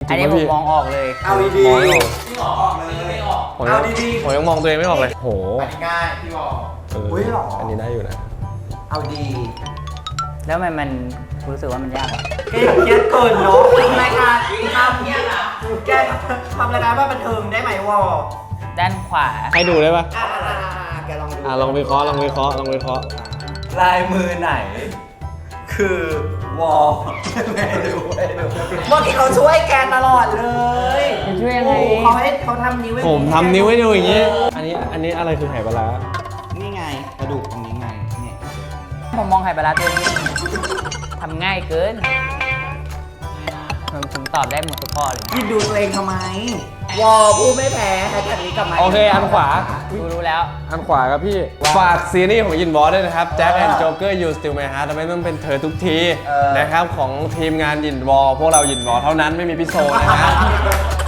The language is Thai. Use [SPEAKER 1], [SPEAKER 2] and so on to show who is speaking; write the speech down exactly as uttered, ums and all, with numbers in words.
[SPEAKER 1] อันนี้ผมมองออกเลย
[SPEAKER 2] เอาดีๆ
[SPEAKER 3] มองไม่ออก
[SPEAKER 2] พี่บอกออกเลยไม่ออก
[SPEAKER 3] ผมยั
[SPEAKER 2] เอา
[SPEAKER 3] ง
[SPEAKER 2] ดี
[SPEAKER 3] ผมยังมองตัวเองไม่ออกเลยโห
[SPEAKER 2] ๆง่ายพี่บอก
[SPEAKER 3] เออ
[SPEAKER 2] อุ้ยหรอ
[SPEAKER 3] อันนี้ได้อยู่นะ
[SPEAKER 2] เอาดี
[SPEAKER 1] แล้วทำไมมันรู้สึกว่ามันยากอ่ะ
[SPEAKER 2] แกอย่าเครียดเกินเนาะทำรายการทำเนี่ยนะแกทำรายการว่าบันเทิงได้ไหมวอ
[SPEAKER 1] ด้านขวา
[SPEAKER 3] ให้ดูได้ปะ
[SPEAKER 2] อ่าแกลองดู
[SPEAKER 3] อ่ะลองวิเคราะห์ลองวิเคราะห์ลองวิเคราะห์
[SPEAKER 2] ลายมือไหน คือวอไม่ดูไม่ดูเมื่อกี้เขาช่วยแกตลอดเลย
[SPEAKER 1] จะช่วยยังไง
[SPEAKER 2] โอ้เขาให้เขาทำนิ้วให้
[SPEAKER 3] ผมทำนิ้วให้ดูอย่างงี้ อันนี้อันนี้อะไรคือไหปลาร้า
[SPEAKER 2] นี่ไงกระดูกตรงนี้ไงเนี่ย
[SPEAKER 1] ผมมองไข่ปลาร้าตัวนี้ทำง่ายเกินผมผมตอบได้หมดทุกข้อเลยนะ
[SPEAKER 2] ยินดูตัวเองทำไม วอพูดไม่แพ้แฮชแท็กนี้กลับมา
[SPEAKER 3] โอเคอันขวา
[SPEAKER 1] รู้รู้แล้ว
[SPEAKER 3] อันขวาครับพี่ ฝากซีรีส์ของยินบอสด้วยนะครับ Jack and Joker You Still My Heart ทำไมต้องเป็นเธอทุกทีนะครับ ของทีมงานยินบอสพวกเรายินบอสเท่านั้นไม่มีพี่โซนะฮะ